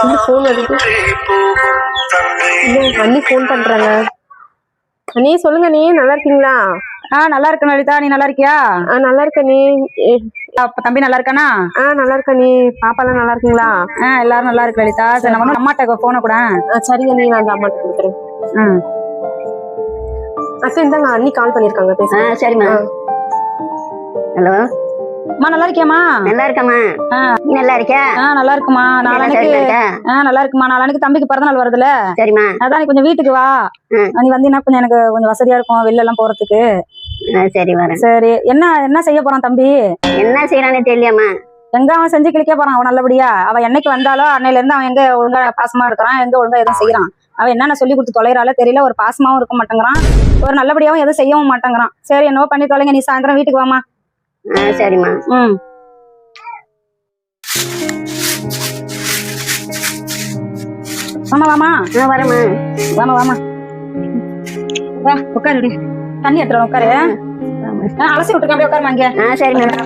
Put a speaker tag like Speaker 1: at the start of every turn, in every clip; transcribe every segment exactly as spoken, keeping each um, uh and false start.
Speaker 1: Phone வருது. அண்ணி phone பண்றாங்க. அண்ணி சொல்லுங்க அண்ணி, நல்லா இருக்கீங்களா?
Speaker 2: ஆ நல்லா இருக்கேன் லலிதா, நீ நல்லா இருக்கியா?
Speaker 1: ஆ நல்லா இருக்க நீ.
Speaker 2: தம்பி நல்லா இருக்கானா?
Speaker 1: ஆ நல்லா இருக்க நீ. பாப்பா எல்லாம் நல்லா இருக்கீங்களா?
Speaker 2: ஆ எல்லாரும் நல்லா இருக்கு லலிதா. சரி நம்ம வந்து அம்மாட்ட போன கூட.
Speaker 1: சரிங்க நீ, நான் அந்த அம்மாட்ட கொடுக்குறேன்.
Speaker 2: ம்
Speaker 1: அக்கா இந்தாங்க, அண்ணி கால் பண்ணிருக்காங்க, பேச.
Speaker 3: சரிம்மா. ஹலோ
Speaker 2: அம்மா, நல்லா இருக்கியாம்மா?
Speaker 3: நல்லா இருக்கம்மா. நீ நல்லா இருக்கியா?
Speaker 2: ஆ நல்லா இருக்குமா. நாளைக்கு ஆ நல்லா இருக்குமா. நாளைக்கு தம்பிக்கு பிறந்த நாள் வருதுல.
Speaker 3: சரிம்மா.
Speaker 2: அதான் நீ கொஞ்சம் வீட்டுக்கு வா. நீ வந்தீங்கன்னா கொஞ்சம் எனக்கு கொஞ்சம் வசதியா இருக்கும் வெளில எல்லாம் போறதுக்கு.
Speaker 3: சரி வரேன்.
Speaker 2: சரி, என்ன என்ன செய்ய போறான் தம்பி?
Speaker 3: என்ன செய்யறானே தெரியலையாம்மா.
Speaker 2: எங்க அவன் செஞ்சு கிளிக்க போறான் அவன் நல்லபடியா? அவன் என்னைக்கு வந்தாலோ அன்னையில இருந்து அவன் எங்க ஒழுங்கா பாசமா இருக்கிறான், எங்க ஒழுங்கா எதுவும் செய்யறான்? அவன் என்னென்ன சொல்லி கொடுத்து தொலைறால தெரியல. ஒரு பாசமாவும் இருக்க மாட்டேங்கிறான், ஒரு நல்லபடியாவும் எதுவும் செய்யவும் மாட்டேங்கிறான். சரி என்னவோ பண்ணி தொலைங்க. நீ சாயந்தரம் வீட்டுக்கு வாமா.
Speaker 3: ஆ சரிம்மா.
Speaker 2: ம் வாமா வாமா.
Speaker 3: வரேம்மா.
Speaker 2: வாமா வாமா. வா உட்காரு. தண்ணி எடுத்துட்டு உட்காரு. அலசி விட்டுருக்கேன், அப்படியே உட்காருமா இங்க.
Speaker 3: ஆ சரிம்மா.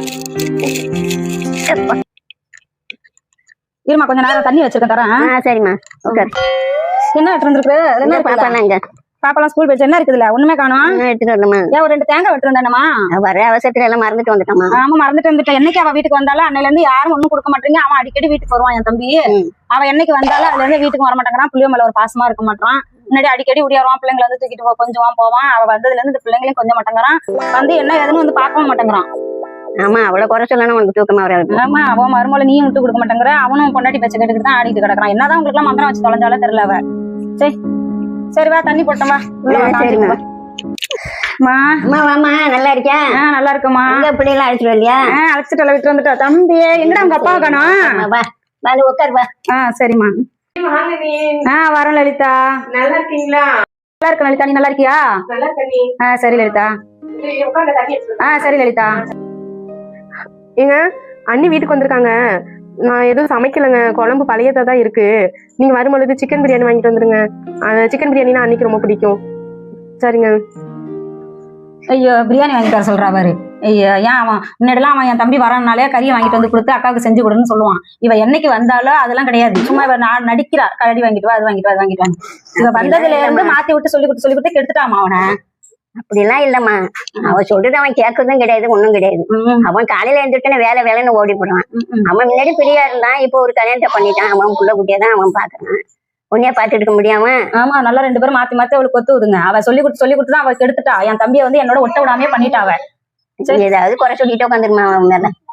Speaker 2: இருமா கொஞ்சம் நேரம் தண்ணி வச்சிருக்கேன், தரேன்.
Speaker 3: ஆ சரிம்மா உட்காரு.
Speaker 2: என்ன எடுத்து வந்துருக்கு? என்ன
Speaker 3: பாப்பா இங்க.
Speaker 2: பாப்பாலாம் ஸ்கூல் போயிடுச்சு. என்ன இருக்குதுல? ஒண்ணுமே காணோம்.
Speaker 3: எடுத்துட்டு வரலாமா?
Speaker 2: ஏன் ஒரு ரெண்டு தேங்காய் வெட்டு வந்தேனமா?
Speaker 3: வர அவசரத்துல எல்லாம் மறந்துட்டு வந்துட்டோமா?
Speaker 2: ஆமா மறந்துட்டு வந்துட்டேன். என்னைக்கு அவ வீட்டுக்கு வந்தாலும் அன்னையில இருந்து யாரும் ஒண்ணும் கொடுக்க மாட்டீங்க. அவன் அடிக்கடி வீட்டுக்கு வருவான் என் தம்பி. அவன் என்னைக்கு வந்தாலும் அதுல இருந்து வீட்டுக்கு வர மாட்டேங்கிறான். புள்ளிய மேல ஒரு பாசமா இருக்க மாட்டான். முன்னாடி அடிக்கடி உடையாருவான், பிள்ளைங்களை வந்து தூக்கிட்டு கொஞ்சம் போவான். அவ வந்ததுல இருந்து இந்த பிள்ளைங்களையும் கொஞ்சம் மாட்டேங்கிறான். வந்து என்ன ஏதுன்னு வந்து பார்க்கவும் மாட்டேங்கிறான்.
Speaker 3: ஆமா அவ்வளவு குறை சொல்லணும் உனக்கு தூக்கமா வராது.
Speaker 2: ஆமா அவன் மருமலை நீயும் விட்டு கொடுக்க மாட்டேங்கிற. அவனும் பொண்டாட்டி பேச்ச கேட்டுக்கிட்டு தான் ஆடிட்டு கிடக்குறான். என்னதான் உங்களுக்கு எல்லாம் மந்திரம் வச்சு தொலைஞ்சாலும் தெரியல அவ. சரி சரி வா, தண்ணி போட்டோம் வா.
Speaker 3: சரிம்மா. அம்மா வாமா. நல்லா இருக்கியா?
Speaker 2: ஆ நல்லா இருக்குமா.
Speaker 3: உங்க பிள்ளைலாம் அழைச்சிட்டு வரலையா?
Speaker 2: அழைச்சிட்டு விட்டு வந்துட்டா. தம்பி எங்கடா உங்க அப்பா காணோம்?
Speaker 3: வா வா உட்காரு வா.
Speaker 2: ஆ சரிம்மா. ஆ வரேன் லலிதா.
Speaker 1: நல்லா இருக்கீங்களா?
Speaker 2: நல்லா இருக்க லலிதா, நீ நல்லா இருக்கியா?
Speaker 1: நல்லா இருக்க நீ.
Speaker 2: ஆ சரி லலிதா. ஆ சரி லலிதா.
Speaker 1: ஏங்க அண்ணி வீட்டுக்கு வந்திருக்காங்க. நான் எதுவும் சமைக்கலைங்க, குழம்பு பழையதா தான் இருக்கு. நீங்க வரும்பொழுது சிக்கன் பிரியாணி வாங்கிட்டு வந்துருங்க. சிக்கன் பிரியாணினா அன்னைக்கு ரொம்ப பிடிக்கும். சரிங்க.
Speaker 2: ஐயோ பிரியாணி வாங்கி தர சொல்றா பாரு. ஐயோ ஏன் அவன் முன்னாடிலாம் அவன் என் தம்பி வரனாலே கறியை வாங்கிட்டு வந்து கொடுத்து அக்காவுக்கு செஞ்சு கொடுன்னு சொல்லுவான். இவ என்னைக்கு வந்தாலும் அதெல்லாம் கிடையாது. சும்மா இவ நான் நடிக்கிறா. கறி வாங்கிட்டு வா, அது வாங்கிட்டு வா, அது வாங்கிட்டு வாங்க. இவ வந்ததுல இருந்து மாத்தி விட்டு சொல்லி கொடுத்து சொல்லி கொடுத்து கெடுத்துட்டாமா அவனை.
Speaker 3: அப்படிலாம் இல்லம்மா. அவன் சொல்றது அவன் கேட்கறதும் கிடையாது, ஒண்ணும் கிடையாது. அவன் காலையில எழுந்துட்டுன்னு வேலை வேலைன்னு ஓடி போடுவான். அவன் முன்னாடி பிரியா இருந்தான், இப்போ ஒரு கல்யாணத்தை பண்ணிட்டான். அவன் புள்ள குட்டியதான் அவன் பாக்குறான். உன்னையா பாத்துட்டு இருக்க முடியாம?
Speaker 2: ஆமா நல்லா ரெண்டு பேரும் மாத்தி மாத்தி அவளுக்கு கொத்து விடுங்க. அவ சொல்லி கொடுத்து சொல்லி கொடுத்துதான் அவ கெடுத்துட்டா. என் தம்பியை வந்து என்னோட ஒட்ட விடாமே பண்ணிட்டா அவ.
Speaker 3: ஏதாவது குறை சொல்லிட்டு உட்காந்துருமா அவன் மேல.